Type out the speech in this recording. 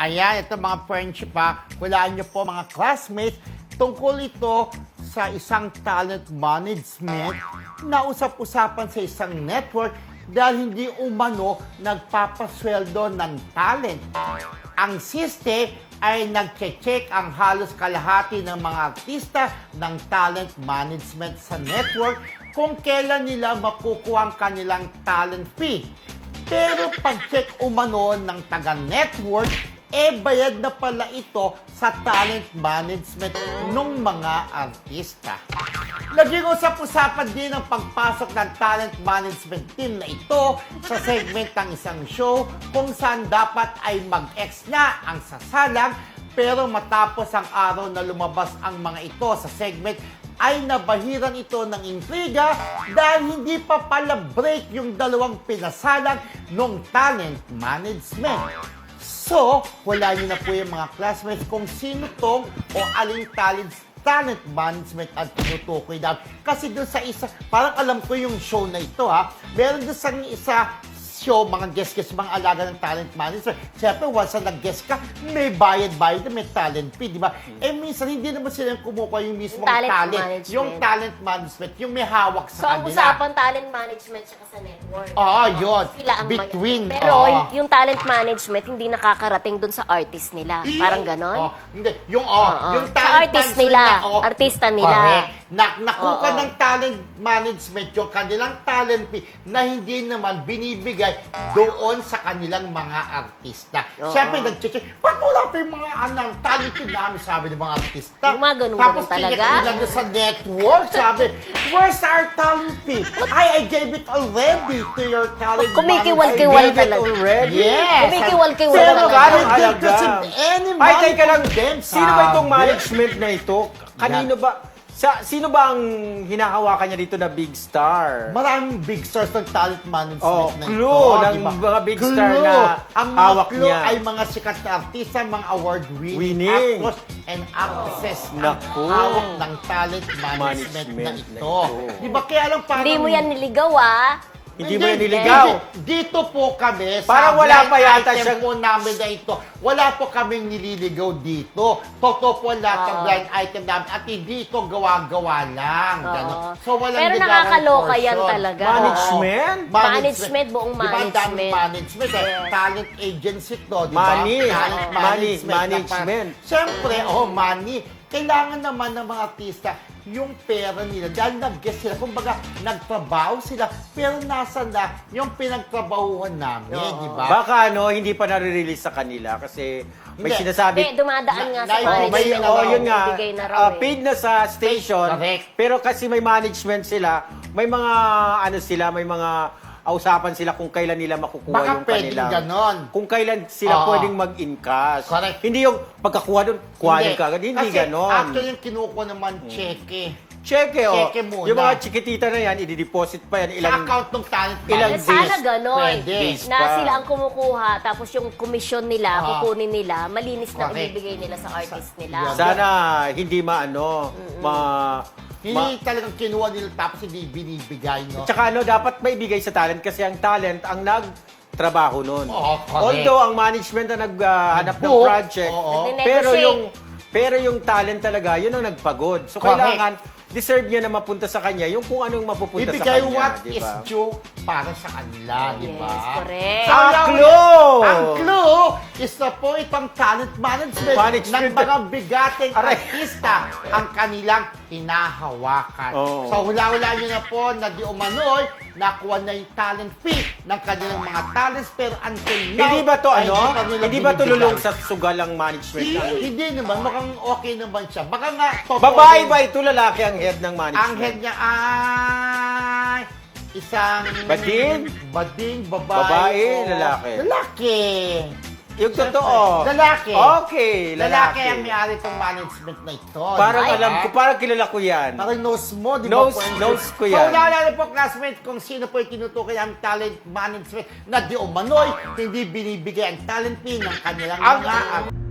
Ayan, ito mga friendship ha. Hulaan niyo po mga classmates. Tungkol ito sa isang talent management na usap-usapan sa isang network dahil hindi umano nagpapasweldo ng talent. Ang siste ay nagche-check ang halos kalahati ng mga artista ng talent management sa network kung kailan nila makukuha ang kanilang talent fee. Pero pag-check umano ng taga-network, bayad na pala ito sa talent management ng mga artista. Naging usap-usapan din ang pagpasok ng talent management team na ito sa segment ng isang show kung saan dapat ay mag-ex na ang sasalang, pero matapos ang araw na lumabas ang mga ito sa segment ay nabahiran ito ng intriga dahil hindi pa pala break yung dalawang pinasalang ng talent management. So, wala niyo na po yung mga classmates kung sino tong o aling talent management at tinutukoy daw. Kasi doon sa isa, parang alam ko yung show na ito ha, meron doon sa isa show, mga guest-guest, mga alaga ng talent management. Siyempre, once na nag-guest ka, may bayad-bayad na may talent fee, di ba? Minsan, hindi naman sila yung kumukuha yung mismong talent. Yung talent management, yung may hawak sa kanila. So, ang usapan talent management siya sa network. Yun. Sila ang Between. Pero yung talent management, hindi nakakarating dun sa artist nila. Parang ganon? Hindi. Yung Sa talent artist management nila. na, Artista nila. Correct. Nakuha ng talent management yung kanilang talent fee na hindi naman binibigay doon sa kanilang mga artista. Siyempre, nag-check, ba't wala pa yung mga talent fee namin, sabi ng mga artista. Yung mga ganun Tapos talaga? lang sa network, sabi, where's our talent fee? I gave it already to your talent Kumikiwal-kiwal management. talaga. Yes. Kumikiwal-kiwal Pero talaga. galing din Talaga. kasi any Ay, money teka lang. from them, Sino ba itong sabi. management na ito? Kanino ba? Sino ba ang hinahawakan niya dito na big star? Maraming big stars ng talent management na ito. Clue ng diba? mga big star Clue. na ang mga hawak clue niya. ay mga sikat na artista, mga award-winning Winning. actors and actresses ang Naku. hawak ng talent management na Management ito. na ito. Di ba kaya lang parang... Hindi mo yan niligaw, Hindi mo yan niligaw. Dito po kami, Parang sa wala blind pa yata item siyang- po namin na ito, wala po kaming nililigaw dito. Totoo po lahat ng blind item namin at hindi ito gawa-gawa lang. Ganon. So, walang Pero ligawan nakakaloka yan portion. talaga. Management? Management, buong Di ba ang daming management. management? Yes. Talent agency to, di ba? Money. Talent Management. Siyempre, money. Kailangan naman ng mga artista yung pera nila. Dahil nag-guest sila. Kumbaga, nagtrabaho sila. Pero nasa na yung pinagtrabahuhan namin, di ba? Baka hindi pa nare-release sa kanila kasi may Hindi. sinasabi. Hindi, dumadaan nga sa Na- management. Yun nga, Bibigay na raw paid na sa station, Correct. pero kasi may management sila, may mga may mga usapan sila kung kailan nila makukuha Baka yung pwedeng kanilang. ganon. Kung kailan sila Oo. pwedeng mag-encash. Correct. Hindi yung pagkakuha doon, kuhanin ka agad. Hindi Kasi ganon. actually, yung kinukuha naman, cheque. Cheque, Cheque muna. Yung mga chikitita na yan, i-deposit pa yan. Sa account ng talent ilang Eh, management. sana days. ganon. Pwede. Days Na pa. sila ang kumukuha, tapos yung komisyon nila, kukunin nila, malinis na Correct. ibibigay nila sa artist nila. Yeah. Sana hindi Hindi talagang kinuha nila tapos hindi binibigay, no? Tsaka dapat maibigay sa talent kasi ang talent ang nagtrabaho nun. Oo, correct. Although ang management na naghanap ng Nagbook, project, oo. pero yung talent talaga, yun ang nagpagod. So Correct. kailangan deserve niya na mapunta sa kanya yung kung anong mapupunta Ibigay sa kanya, what di is ba? due para sa kanila, di ba? Yes, correct. So, Ang yung- clue! Ang clue is na po itong talent management ng Management. mga bigating Aray. artista ang kanilang hinahawakan. Oo. So, hula-hula nyo na po na di umano'y nakuha na yung talent fee ng kanilang mga talents pero until now, Hindi ba to ay pa nila Hindi ba to binibigay. lulong sa sugal ang management? Hindi naman, mukhang okay naman siya. Baka nga, totoo Babae din. ba ito lalaki ang head ng management? Ang head niya ay isang... Bading? Bading, babae. Babae, o- lalaki? Lalaki. Yung totoo? Lalaki. Okay, Lalaki lalaki. ang may-ari itong management na ito. Parang di ba? alam ko, parang kilala ko yan. Parang nose mo, di ba? Nose- friend? nose ko So, yan. naalala po, classmate, kung sino po yung tinutukoy ang talent management na di umano'y hindi binibigay ang talent fee ng kanilang mga